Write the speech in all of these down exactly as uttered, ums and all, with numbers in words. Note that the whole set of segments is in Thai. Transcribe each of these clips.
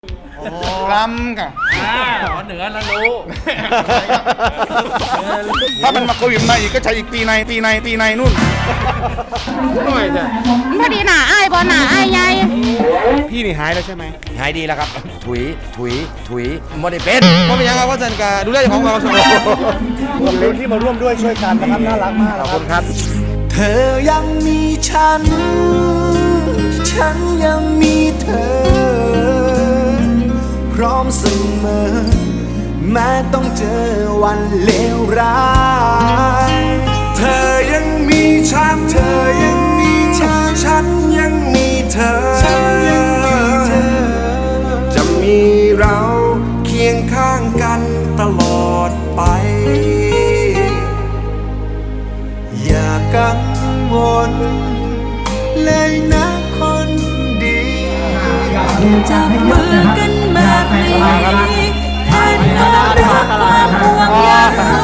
ลำค่ะอ่าขอเหนือแล้วรู้ถ้ามันมาโควิดมาอีกก็ใช้อีกปีในปีในปีในนู่นหน่อยจ้ะพอดีหนาไอ้ายบอหนาไอ้ายใหญ่พี่นี่หายแล้วใช่ไหมหายดีแล้วครับ ถุย ถุย ถุยไม่ได้เป็นก็เป็นยังไงว่าจันกาดูแลของเราสองคนที่มาร่วมด้วยช่วยกันนะครับน่ารักมากขอบคุณครับเธอยังมีฉัน ฉันยังมีเธอ พร้อมเสมอ แม้ต้องเจอวันเลวร้าย เธอยังมีฉัน เธอยังมีฉัน ฉันยังมีเธอ ฉันยังมีเธอ จะมีเราเคียงข้างกันตลอดไป อย่ากังวลเลยนะคนดีจับมือกันแบบนี้แทนความรักความห่วงใย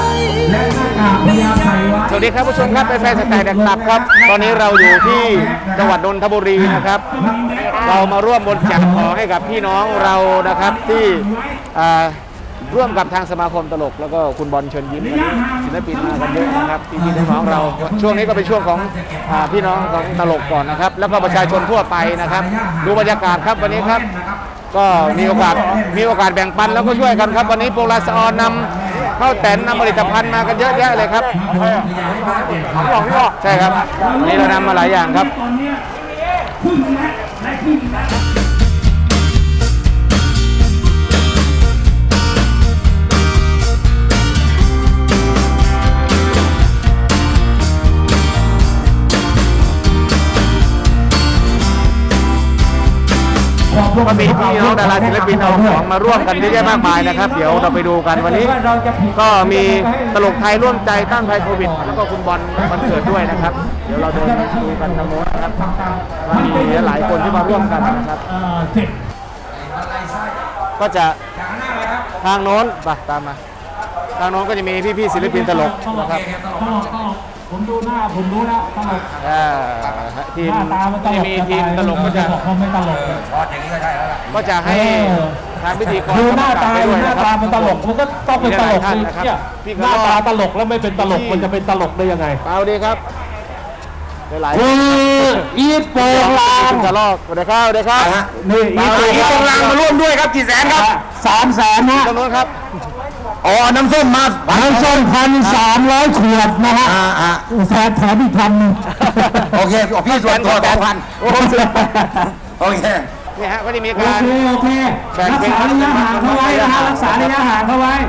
สวัสดีครับผู้ชมครับแฟนๆสแตนด์แดกตับครับตอนนี้เราอยู่ที่จังหวัดนนทบุรีนะครับเรามาร่วมบริจาคของให้กับพี่น้องเรานะครับที่อ่าร่วมกับทางสมาคมตลกแล้วก็คุณบอลเชิญยิ้มวันนี้ศิลปินมากันเยอะนะครับพี่พี่น้องเราช่วงนี้ก็เป็นช่วงของอ่าพี่น้องของตลกก่อนนะครับแล้วก็ประชาชนทั่วไปนะครับดูบรรยากาศครับวันนี้ครับก็มีโอกาสมีโอกาสแบ่งปันแล้วก็ช่วยกันครับวันนี้โปรลาสออนนำข้าวแตนนำผลิตภัณฑ์มากันเยอะแยะเลยครับพี่บอกพี่บอกใช่ครับวันนี้เรานำมาหลายอย่างครับก็มีพี่น้องดาราศิลปินเอาของมาร่วมกันเยอะแยะมากมายนะครับเดี๋ยวเราไปดูกันวันนี้ก็มีตลกไทยร่วมใจต้านภัยโควิดแล้วก็คุณบอลวันเกิดด้วยนะครับเดี๋ยวเราเดินดูกันทางโน้นนะครับมีหลายคนที่มาร่วมกันนะครับก็จะทางโน้นไปตามมาทางโน้นก็จะมีพี่ๆศิลปินตลกนะครับผมดูหน้าผมรู้แล้วตลกอ่าทีมหน้าตามันตลที่กมีทีมตลกก็จะบอกว่าไม่ตลกก็จะให้ทางพิธีกรดูหน้าตาไปด้วยหน้านะครับตามันตลกมันก็ต้องเป็นตลกท่านสินะครับเนี่ยพี่หน้าตาตลกแล้วไม่เป็นตลกพี่มันจะเป็นตลกได้ยังไงเอาดีครับหลายคืออีทโปงลางกระลอกสวัสดีครับสวัสดีครับนี่อีทอีทโปงลางมาร่วมด้วยครับกี่แสนครับสามแสนนะจำนวนครับอ๋อน้ำส้มมาน้ำส้มพันสามร้อยขวดนะฮะแสนแถมอีกพันหนึ่งโอเคพี่ส่วนตัวสองพันโอ้โหโอเคนี่ฮะก็จะมีโอการเคโอเครักษาระยะห่างเข้าไว้นะฮะรักษาระยะห่างเข้าไว้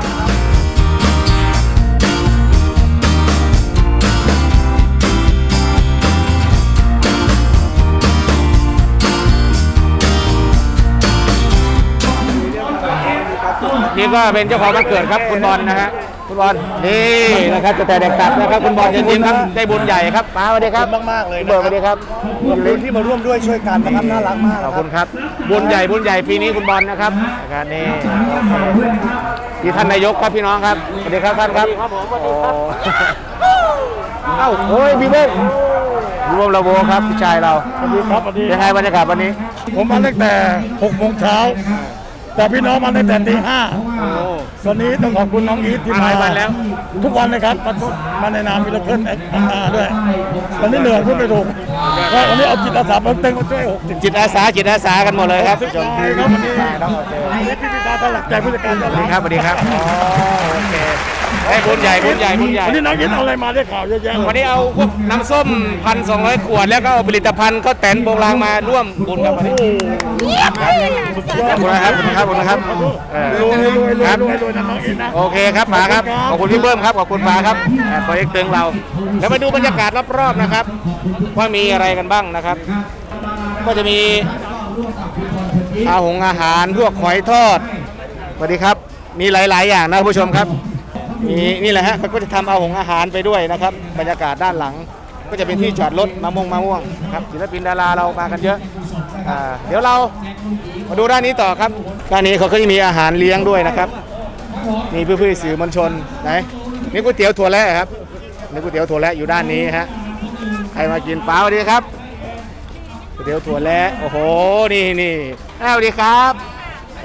นี่ก็เป็นเจ้าของวันเกิดครับคุณบอลนะฮะคุณบอลนี่นะครับจะแต่เด็กตัดนะครับคุณบอลเชิญยิ้มครับได้บุญใหญ่ครับป้าสวัสดีครับมากๆเลยเบิร์ดสวัสดีครับขอบคุณที่มาร่วมด้วยช่วยกันนะครับน่ารักมากขอบคุณครับบุญใหญ่บุญใหญ่ปีนี้คุณบอลนะครับนะครับนี่ที่ท่านนายกครับพี่น้องครับสวัสดีครับท่านครับโอ้เอ้าโอ้ยพี่เบ้งรวมระโวครับพี่ชายเราสวัสดีครับสวัสดีเป็นไงบรรยากาศวันนี้ผมมาตั้งแต่หกโมงเช้าแต่พี่น้องมาตั้งแต่ตีห้าวันนี้ต้องขอบคุณน้องอีทที่มาทุกวันเลยครับมามาในนามมิลเคิลเอ็กซ์ด้วยวันนี้เหนื่อยพูดไม่ถูกก็วันนี้เอาจิตอาสามาเต็มมาช่วยหกสิบจิตอาสาจิตอาสากันหมดเลยครับจนพี่ครับวันนี้วันนี้พี่พิธาสลักใจผู้จัดการสวัสดีครับสวัสดีครับอ๋อโอเคให้บุญใหญ่บุญใหญ่บุญใหญ่วันนี้น้องอีทเอาอะไรมาได้ข่าวเยอะแยะวันนี้เอาพวกน้ำส้มพันสองร้อยขวดแล้วก็เอาผลิตภัณฑ์ข้าวแตนโบราณมาร่วมบุญกับวันนี้ขอบคุณนะครับขอบคุณครับขอบคุณครับรวยรวยรวยครับรวยรวยนะน้องอีทนะโอเคครับป๋าครับขอบคุณพี่เบิ้มครับขอบคุณป๋าครับโปรเจกต์ตึงเราแล้วมาดูบรรยากาศรอบๆนะครับว่ามีอะไรกันบ้างนะครับ ก็จะมีอาหงอาหารพวกหอยทอดสวัสดีครับมีหลายๆอย่างนะผู้ชมครับมีนี่แหละฮะเขาก็จะทำเอาหงอาหารไปด้วยนะครับบรรยากาศด้านหลัง ก็จะเป็นที่จอดรถมะม่วงมะม่วงครับศิลปินดาราเรามากันเยอะอ่าเดี๋ยวเรามาดูด้านนี้ต่อครับด้านนี้เขาก็จะมีอาหารเลี้ยงด้วยนะครับมีเพื่อนๆสื่อมวลชนไหนนี่ก๋วยเตี๋ยวถั่วแระครับนี่ก๋วยเตี๋ยวถั่วแระอยู่ด้านนี้ฮะใครมากินเปล่าดีครับก๋วยเตี๋ยวถั่วแระโอ้โหนี่นี่สวัสดีครับโอ้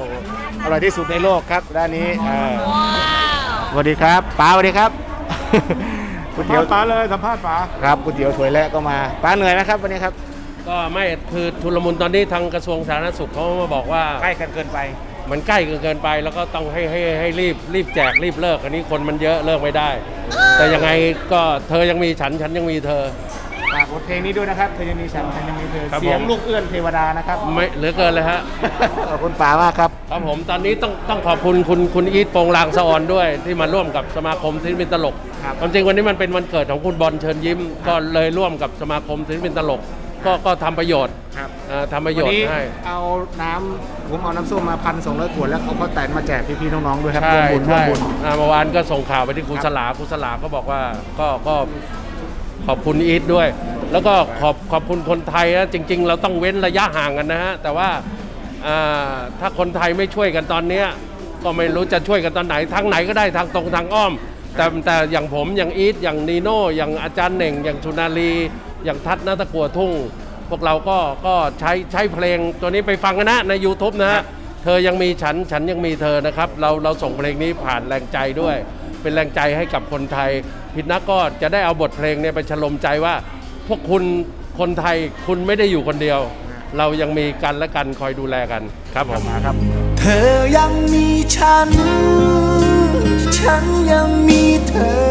อร่อยที่สุดในโลกครับด้านนี้อ่าสวัสดีครับป๋าสวัสดีครับ ก๋วยเตี๋ยวป๋าเลยสัมภาษณ์ป๋าครับก๋วยเตี๋ยวถ้วยแรกก็มาป๋าเหนื่อยไหมครับวันนี้ครับก็ไม่คือทุลมุนตอนนี้ทางกระทรวงสาธารณสุขเขามาบอกว่าใกล้กันเกินไปมันใกล้เกินเกินไปแล้วก็ต้องให้ให้ให้รีบรีบแจกรีบเลิกอันนี้คนมันเยอะเลิกไม่ได้ แต่ยังไงก็เธอยังมีฉันฉันยังมีเธอฝากบทเพลงนี้ด้วยนะครับเธอยังมีฉันฉันยังมีเธอครับเสียงผมลูกเอื้อนเทวดานะครับไม่เหลือเกินเลยฮะขอบคุณป๋ามากครับครับผมตอนนี้ต้องต้องขอบคุณคุณคุณอีทโปงลางสะออนด้วยที่มาร่วมกับสมาคมศิลปินตลกครับความจริงวันนี้มันเป็นวันเกิดของคุณบอลเชิญยิ้ม ก็เลยร่วมกับสมาคมศิลปินตลก ก็ก็ทำประโยชน์ครับเอ่อทำประโยวันชน์นี้ให้เอาน้ำผมเอาน้ำส้มมาพันสองร้อยขวดแล้วเอาข้าวแตนมาแจกพี่ๆน้องๆด้วยครับใช่ร่วมบุญร่วใช่มบุญอ่าเมื่อวานก็ส่งข่าวไปที่ครูครับสลาครูสลาก็บอกว่าก็ก็ขอบคุณอีทด้วย แล้วก็ขอบขอบคุณคนไทยนะจริง ๆ เราต้องเว้นระยะห่างกันนะฮะแต่ว่าอ่าถ้าคนไทยไม่ช่วยกันตอนเนี้ยก็ไม่รู้จะช่วยกันตอนไหนทางไหนก็ได้ทางตรงทางอ้อม แต่แต่อย่างผมอย่างอีทอย่างนีโน่อย่างอาจารย์เหน่ง อย่างชุนาลีอย่างทัศน์นาตะกัวทุ่ง พวกเราก็ก็ใช้ใช้เพลงตัวนี้ไปฟังกันนะใน YouTube นะฮะเธอยังมีฉันฉันยังมีเธอนะครับเราเราส่งเพลงนี้ผ่านแรงใจด้วย เป็นแรงใจให้กับคนไทยพิดนักก็จะได้เอาบทเพลงเนี่ยไปฉลมใจว่า พวกคุณคนไทยคุณไม่ได้อยู่คนเดียว เรายังมีกันและกันคอยดูแลกันครับผมครับเธอยังมีฉัน ฉันยังมีเธอ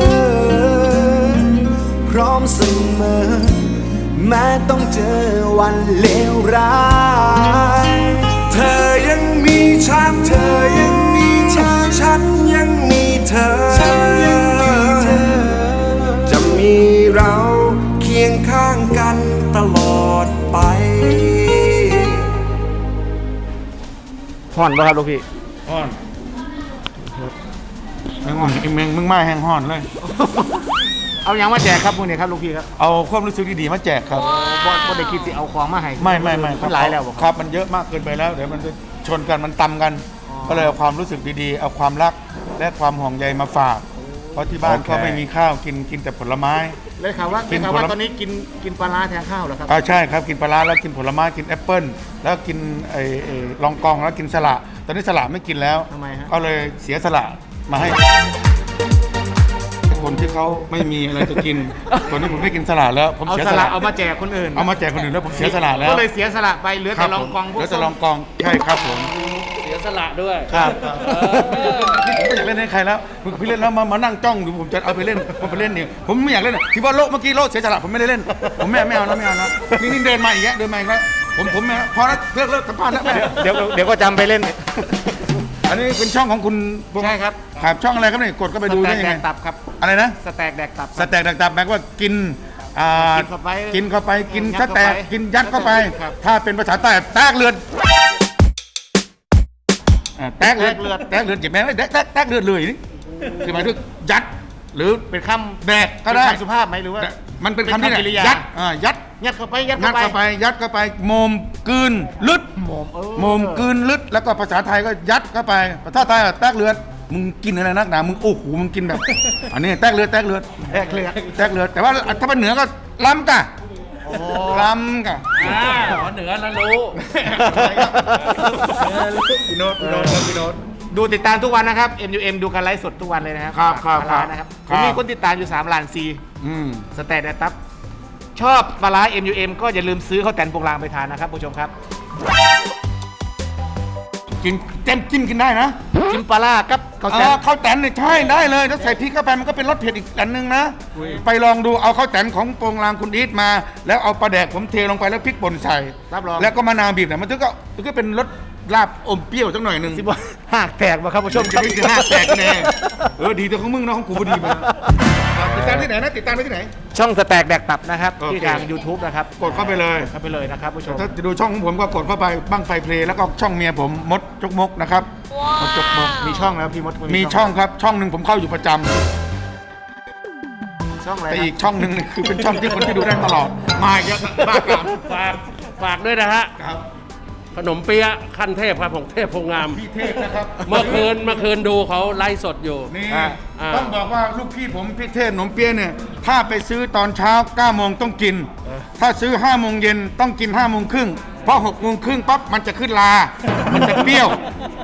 พร้อมเสมอ แม้ต้องเจอวันเลวร้าย เธอยังมีฉัน เธอยังมีฉัน ฉันยังมีเธอ ฉันยังมีเธอ จะมีเราเคียงข้างกันตลอดไปห่อนป่ะครับลูกพี่ห่อนแห้งห่อนไอ้เมงมึงมาแห้งห่อนเลยเอายังมาแจกครับพวกนี้ครับลูกพี่ครับเอาความรู้สึกดีๆมาแจกครับบอสบอสได้คิดสิเอาของมาให้ไม่ไม่ไม่มันหลายแล้วบอกครับมันเยอะมากเกินไปแล้วเดี๋ยวมันจะชนกันมันตำกัน ก็เลยเอาความรู้สึกดีๆ เอาความรักและความห่วงใยมาฝาก เพราะที่บ้านก็ไม่มีข้าวกินกินแต่ผลไม้เลยข่าวว่ากิกินนข่าวว่าผลไม้ตอนนี้กินกินปลาร้าแทนข้าวเหรอครับอ่าใช่ครับกินปลาร้าแล้วกินผลไม้กินแอปเปิ้ลแล้วกินไอ้ไอ้ลองกองแล้วกินสละตอนนี้สละไม่กินแล้วทำไมฮะก็เลยเสียสละมาให้คนที่เขาไม่มีอะไรจะกินตอนนี้ผมไม่กินสละแล้วผมเอาเสียสสละละเอามาแจกคนอื่นเอามาแจกคนอื่นแล้วผมเสียสละแล้วก็เลยเสียสละไปเหลือคแต่รับลองกองผมพวกแล้วจะลองกองใช่ครับผมเสียสละด้วยครับเออนี่ผมไม่อยากเล่นให้ใครแล้วพี่เล่นแล้วมามานั่งจ้องอยู่ผมจะเอาไปเล่นผมไปเล่นเนี่ยผมไม่อยากเล่นที่ว่าโลกเมื่อกี้โลกเสียสละผมไม่ได้เล่น ผมไม่ไม่เอาแล้วไม่เอาแล้วนี่นี่เดินมาอีกแล้วเดินมาอีกแล้วผมผมไม่พอแล้วเลิกเลิกสัมภาษณ์แล้วแม่เดี๋ยวเดี๋ยวก็จำไปเล่นอันนี้เป็นช่องของคุณใช่ครับครับช่องอะไรครับเนี่ยกดก็ไปดูสแต็ได้กยังแดไงกตับครับอะไรนะสแต็กแดกตับสแต็กต่างๆแปลว่ากินอ่ากินเข้าไปกินเข้าไปกินยัดสแต็กเข้าไปกินยัดเข้าไปครับถ้าเป็นภาษาใต้แตกเลือดอ่าแตกเลือดแตกเลือดแตกเลือดเจ็บแม่งเลยแตกแตกแตกเลือดเลยนี่คือหมายถึงยัดหรือเป็นคำแดกก็ได้เป็นคำสุภาพไหมหรือว่าแต่มันเป็นคำที่เป็นคำกริยายัดอ่ายัดยัดเข้าไปยัดงัดเข้าเข้าไปไปยัดเข้าไปโมมกลืนลึดโมมเออโมมกลืนลึดแล้วก็ภาษาไทยก็ยัดเข้าไปภาษาไทยอะแตกเลือดมึงกินอะไรนักหนามึงโอ้โหมึงกินแบบ อันนี้แตกเลือดแตกเลือดแดกเลือดแตกเลือดแต่ว่าถ้าเป็นเหนือก็ล้ำกะล้ำกะอ่าขอเหนือแล้วรู้พี่โน้ตพี่โน้ตพี่โน้ตดูติดตามทุกวันนะครับ เอ็ม ยู เอ็ม ดูกันไลฟ์สดทุกวันเลยนะครับครับครับปลาร้านะครับคผรับมมีคนติดตามอยู่สามล้านซีอืมสแตทแดกตับชอบปลาร้า เอ็ม ยู เอ็ม ก็อย่าลืมซื้อข้าวแตนโปงลางไปทานนะครับผู้ชมครับกินเต็มจิ้มกินได้นะกินปลาร้ากับข้าวแตนอ่าข้าวแตนเนี่ยใช่ได้เลยถ้าใส่พริกเข้าไปมันก็เป็นรสเผ็ดอีกอันหนึงนะ ไปลองดูเอาข้าวแตนของโปงลางคุณอีทมา แล้วเอาปลาแดกผมเทลงไปแล้วพริกป่นใส่รับรองแล้วก็มะนาวบีบเนี่ยมันถึงก็มันก็เป็นรสลาบอมเปรี้ยวจังหน่อยหนึ่งสิบว่าหากแตกมาครับผู้ชมคจะรับไม่จะหน้าแตกแน่เออดีแต่ของมึงนะของกูพอดีมาติดตามที่ไหนนะติดตามได้ที่ไหนช่องสแต็กแดกตับนะครับโอเคที่ทาง YouTube นะครับกดเข้าไปเลยเข้าไปเลยนะครับผู้ชมถ้าจะดูช่องของผมก็กดเข้าไปบ้างไฟเพลย์แล้วก็ช่องเมียผมมดจกมกนะครับมดจกมกมีช่องแล้วพี่มดมีช่องครับช่องหนึ่งผมเข้าอยู่ประจำช่องอะไรแต่นะอีกช่องหนึ่งนี่คือเป็นช่องที่คนที่ดูได้ตลอดมาอีกแล้วบ้ากามฝากฝากด้วยนะฮะครับขนมเปี๊ยะขั้นเทพครับของเทพโพงามพี่เทพนะครับเมื่อคืนเมื่อคืนดูเขาไลฟ์สดอยู่นี่อ่าอ่าต้องบอกว่าลูกพี่ผมพี่เทพหนมเปี๊ยะเนี่ยถ้าไปซื้อตอนเช้าเก้าโมงต้องกิน ถ้าซื้อห้าโมงเย็นต้องกินห้าโมงครึ่งเพราะหกโมงครึ่งปั๊บมันจะขึ้นลา มันจะเปรี้ยว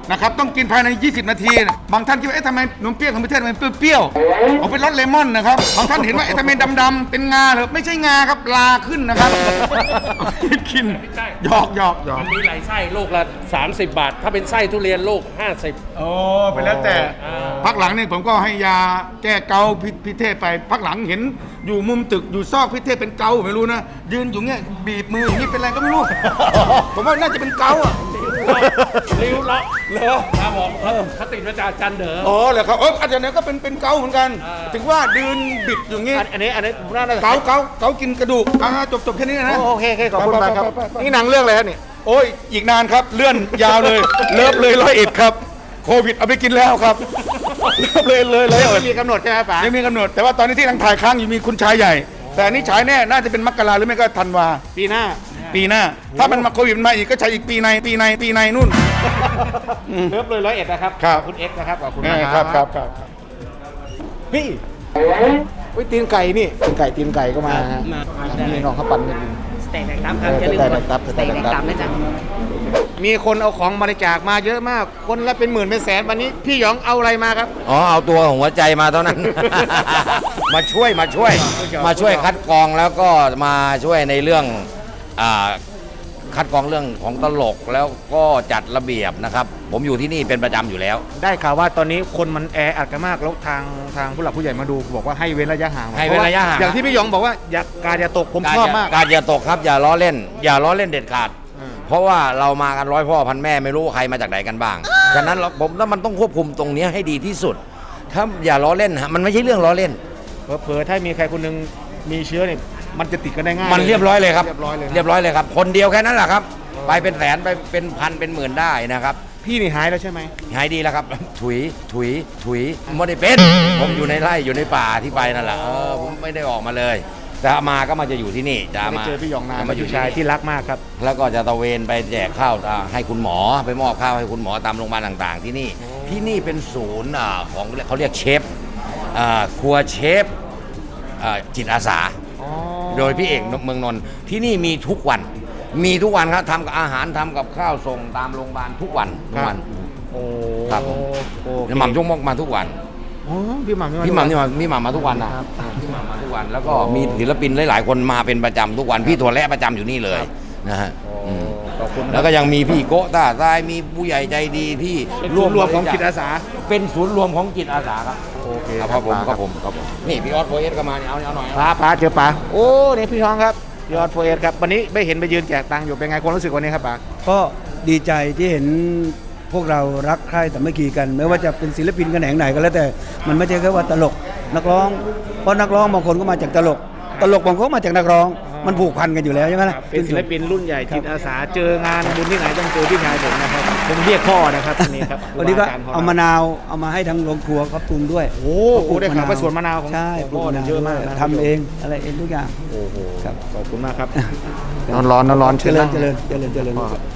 นะครับต้องกินภายใน ยี่สิบ นาทีนะบางท่านคิดว่าเอ๊ะทำไมนมเปรี้ยวของประเทศมันเปรี้ยวๆเอาเป็นรสเลมอนนะครับบางท่านเห็นว่าเอ๊ะทำไมดำๆเป็นงาเหรอไม่ใช่งาครับลาขึ้นนะครับกินหยอกหยอกหยอกมันมีหลายไส้ลูกละสามสิบบาท ถ้าเป็นไส้ทุเรียนลูกห้าสิบโอ้ไปแล้วแต่พักหลังนี่ผมก็ให้ยาแก้เกาพิพิเทศไปพักหลังเห็นอยู่มุมตึกอยู่ซอกพิเทศเป็นเกาไม่รู้นะยืนอยู่เงี้ยบีบมืออย่างนี้เป็นอะไรก็ไม่รู้ ผมว่าน่าจะเป็นเกาอ่ะริ้วเลาะเหรอครับผมเขาติดมาจากจันเด๋ออ๋อเหรอครับเอออาจารย์เนี่ยก็เป็นเป็นเกาเหมือนกัน ถึงว่ายืนบิดอย่างงี้อันอันนี้อันนี้ผมน่าจะเกาเกาเกากินกระดูกอ่าจบจบแค่นี้นะโอเคโอเคขอบคุณมากครับไปไปไปไปนี่หนังเรื่องอะไรครับเนี่ยโอ้ยอีกนานครับเลื่อนยาวเลย เลิฟเลยร้อยเอ็ดครับโควิดเอาไปกินแล้วครับเลิฟเลยเลยเลยไม่มีกำหนดใช่ไหมป๋ายังมีกำหนดแต่ว่าตอนนี้ที่ทางถ่ายค้างอยู่มีคุณชายใหญ่ แต่อันนี้ฉายแน่น่าจะเป็นมกราหรือไม่ก็ธันวาปีหน้าปีหน้า ถ้ามันมาโควิดมันมาอีกก็ใช้อีกปีในปีในปีในนู่นเลิฟเลยร้อยเอ็ดนะครับครับขอคุณเอ็กซ์นะครับขอบคุณเอมาอก ครับครับครับพี่อุ้ยตีนไก่นี่ตีนไก่ตีนไก่ก็มาฮะนี่น้องเขาปั่นกันอยู่สเต็กแดงดำครับอย่าลืมกดสเต็กแดงดำนะจ๊ะมีคนเอาของบริจาคมาเยอะมาก คนละเป็นหมื่นเป็นแสนวันนี้พี่หยองเอาอะไรมาครับอ๋อเอาตัวของหัวใจมาเท่านั้น มาช่วยมาช่วย มาช่วยคัดกรองแล้วก็มาช่วยในเรื่องอ่าคัดกรองเรื่องของตลกแล้วก็จัดระเบียบนะครับ ผมอยู่ที่นี่เป็นประจำอยู่แล้วได้ข่าวว่าตอนนี้คนมันแออัดกันมากแล้วทางทางผู้หลักผู้ใหญ่มาดูบอกว่าให้เว้นระยะห่างให้เว้นระยะห่างอย่างที่พี่หยองบอกว่าอย่าการอย่าตกผมการชอบอย่มากการอย่าตกครับอย่าล้อเล่น อย่าล้อเล่นเด็ดขาดอืมเพราะว่าเรามากันร้อยพ่อพันแม่ไม่รู้ว่าใครมาจากไหนกันบ้างฉะนั้นเราผมว่ามันต้องควบคุมตรงนี้ให้ดีที่สุด ถ้าอย่าล้อเล่นฮะมันไม่ใช่เรื่องล้อเล่นเผลอๆถ้ามีใครคนหนึงมีเชื้อเนี่ยมันจะติดกันได้ง่ายมันเรียบร้อยเลยครับเรียบร้อยเลยนะเรียบร้อยเลยครับ คนเดียวแค่นั้นแหละครับ ไปเป็นแสนไปเป็นพันเป็นหมื่นได้นะครับพี่นี่หายแล้วใช่ไหมหายดีแล้วครับ ถุยถุยถุยไม่ได้เป็น ผมอยู่ในไร่อยู่ในป่าที่ไปนั่นแหละเออผมไม่ได้ออกมาเลย แต่มาก็มาจะอยู่ที่นี่จะไม่มาเจอพี่หยองนานจะมามาออยู่ ยู่ชายที่ที่นี่รักมากครับแล้วก็จะตระเวนไปแจกข้าวอ่าให้คุณหมอไปมอบข้าวให้คุณหมอตามโรงพยาบาลต่างๆ ที่นี่ที่นี่เป็นศูนย์อ่าของเขาเรียกเชฟอ่าครัวเชฟอ่าจิตอาสา โดยพี่เอกเมืองนนท์ที่นี่มีทุกวัน มีทุกวันครับทำกับอาหารทำกับข้าวส่งตามโรงพยาบาลทุกวันทุกวันโอ้ครับผมโอเคหม่ำยงมกมาทุกวันอ๋อพี่หม่ำพี่หม่ำนี่มาพี่หม่ำมาทุกวันนะพี่หม่ำมาทุกวัน แล้วก็มีศิลปินหลายๆคนมาเป็นประจำทุกวันพี่ถั่วแระประจำอยู่นี่เลยนะฮะอืมขอบคุณแล้วก็ยังมีพี่โกะต้าทรายมีผู้ใหญ่ใจดีที่เป็นศูนย์รวมของจิตอาสาเป็นศูนย์รวมของจิตอาสาครับโอเคครับผมครับผมครับผมนี่พี่ออสโฟเอสก็มาเนี่ยเอาเอาหน่อยป้าป้าเจอป้าโอ้นี่พี่ท้องครับยอดโฟเอสครับวันนี้ไม่เห็นไปยืนแจกตังค์อยู่เป็นไงความรู้สึกวันนี้ครับป้าก็ดีใจที่เห็นพวกเรารักใคร่แต่ไม่กีกัน ไม่ว่าจะเป็นศิลปินกันแหนงไหนก็แล้วแต่มันไม่ใช่แค่ว่าตลกนักร้อง เพราะนักร้องบางคนก็มาจากตลก ตลกบางคนก็มาจากนักร้อง มันผูกพันกันอยู่แล้วใช่ไหมล่ะเป็นศิลปินรุ่นใหญ่จิตอาสาเจองานบุญที่ไหนต้องเจอพี่ชายผมนะครับผมเรียกพ่อนะครับวันนี้ครับวันนี้ก็ครูบจรย์ขงรเอามะนาวเอามาให้ทางโรงครัวเขาปรุงด้วยโอ้โหได้ข่าวว่าสวนมะนาวของใช่ของปลูกพ่อมะเนี่ยนาวเยอะมากนะทำเองอะไรเองทุกอย่างโอ้โหครับขอบคุณมากครับนอนร้อนนอนร้อนเจริญเจริญเจริญเจริญพ่อครับ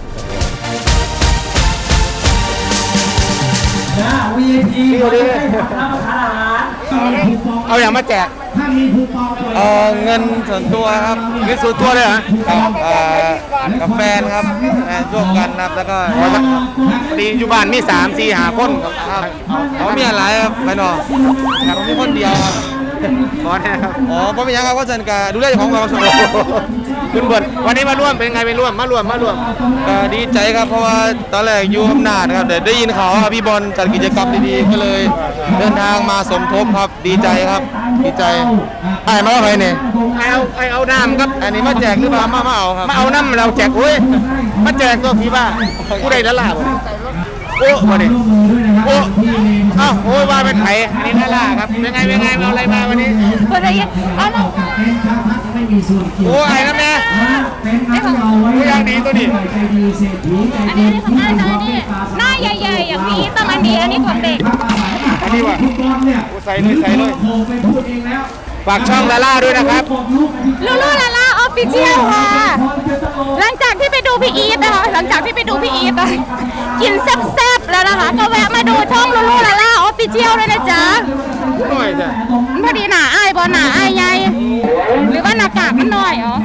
นะ วี ไอ พีพี่สวัสดีรับประทานอาหารเอาอย่างมาแจกถ้ามีคูปองเปิดเออเงินส่วนตัวครับเงินส่วนตัวเลยเหรอครับกับแฟนครับแฟนร่วมกันครับแล้วก็ดีอยู่บ้านมีสามสี่หาคนครับเขามีอะไรครับไปนอนครับมีคนเดียวครับขอแน่ครับอ๋อเพราะเป็นยังครับก็สันกาดูแลของเราสมคุณเบิร์ดวันนี้มาร่วมเป็นไงไปร่วมมาร่วมมาร่วมก็ดีใจครับเพราะว่าตอนแรกอยู่อำนาจครับแต่ได้ยินข่าวว่าพี่บอลจัดกิจกรรมดีๆก็เลยเดินทางมาสมทบครับดีใจครับดีใจไอ้มาเอาไปเนี่ยไอ้เอาไอ้เอาน้ำครับอันนี้มาแจกหรือเปล่ามามาเอาครับมาเอาน้ำเราแจกโอ้ยมาแจกตัวพี่บ้าผู้ใดนั่นล่ะโอ้มาดิโอ้เอ้าโอ้ยว่าเป็นไผ่อันนี้นั่นล่ะครับเป็นไงเป็นไงเอาอะไรมาวันนี้คนละยี่เอาละไม่มีส่วนเกี่ยวโอ้ไอ้น้ำแม่เป็นน้ำเอาไว้โอ้ยอย่างดีตัวนี้ใจดีเศรษฐีใจอันนี้ของอ้ายตอนนี้หน้าใหญ่ๆอย่างนี้ต้องอันนี้อันนี้ของเด็กอันนี้ว่ะคูปองเนี่ยโอ้ใส่เลยใส่เลยโทรไปพูดเองแล้วฝากช่องลาล่าด้วยนะครับลูลูลาลาออฟฟิเชียลค่ะ หลังจากที่ไปดูพี่อีทนะคะ หลังจากที่ไปดูพี่อีทอะกินแซ่บๆแล้วนะคะ ก็แวะมาดูช่องลูลูลาลาออฟฟิเชียลด้วยนะจ๊ะหน่อยจ้ะพอดีหนาอ้ายบอหนาอ้ายใหญ่หรือว่าหน้ากากมันน้อยอ๋อ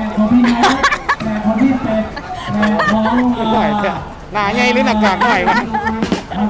หน่อยจ้ะหนาใหญ่หรือหน้ากากหน่อยวะ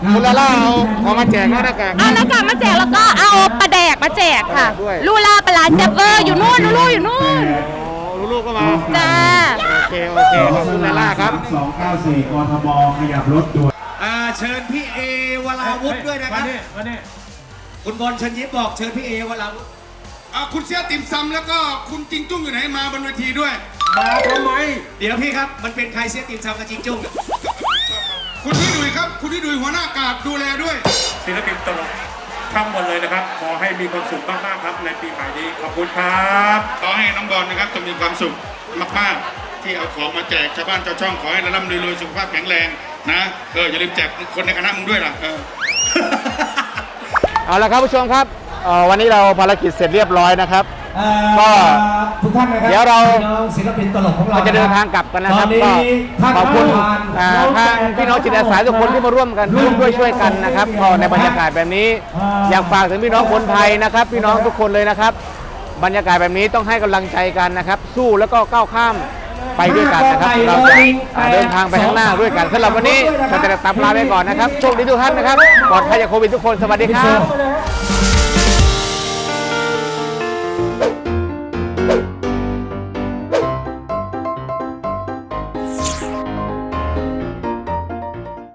คุณลาล่าเอาเอามาแจกนะหน้ากากเอาหน้ากากมาแจกแล้วก็เอาปลาแดกมาแจกค่ะด้วยลูลาปลาร้าแซ่บเวอร์อยู่นู่นลูลูอยู่นู่นลูกๆก็มาจ้าโอเคโอเคขอบคุณลาล่าครับสองเก้าสี่กทมขยับรถด่วนอ่าเชิญพี่เอวราวุธด้วยนะครับคุณบอลเชิญยิ้มบอกเชิญพี่เอวราวุธอ่ะคุณเสียติ่มซำแล้วก็คุณจิงจุ้งอยู่ไหนมาบนเวทีด้วยมาทำไมเดี๋ยวพี่ครับมันเป็นใครเสียติมซำกับจิงจุ้งคุณที่ดุยครับ คุณที่ดุยหัวหน้ากาดดูแลด้วยศิลปินตลกทั้งหมดเลยนะครับ ขอให้มีความสุขมากๆครับในปีใหม่นี้ ขอบคุณครับขอให้น้องบอลนะครับจะมีความสุขมากๆที่เอาของมาแจกชาวบ้านชาวช่องขอให้ร่ำรวยๆสุขภาพแข็งแรงนะเอออย่าลืมแจกคนในคณะมึงด้วยล่ะเออเอาละครับผู้ชมครับเอ่อวันนี้เราภารกิจเสร็จเรียบร้อยนะครับ ก็ทุกท่านนะครับเดี๋ยวเราพี่น้องศิลปินตลกของเราเราจะเดินทางกลับกันนะครับตอนนี้ก็ท่านขอบคุณประธานอ่าทางพี่น้องจิตอาสาทุกคนที่มาร่วมกันร่วมด้วยช่วยกันนะครับก็ในบรรยากาศแบบนี้อยากฝากถึงพี่น้องคนไทยนะครับ พี่น้องทุกคนเลยนะครับ บรรยากาศแบบนี้ต้องให้กำลังใจกันนะครับ สู้แล้วก็ก้าวข้ามไปด้วยกันนะครับเราจะอ่าเดินทางไปข้างหน้าด้วยกันสำหรับวันนี้เราจะตับลาไปก่อนนะครับโชคดีทุกท่านนะครับปลอดภัยจากโควิดทุกคนสวัสดีครับ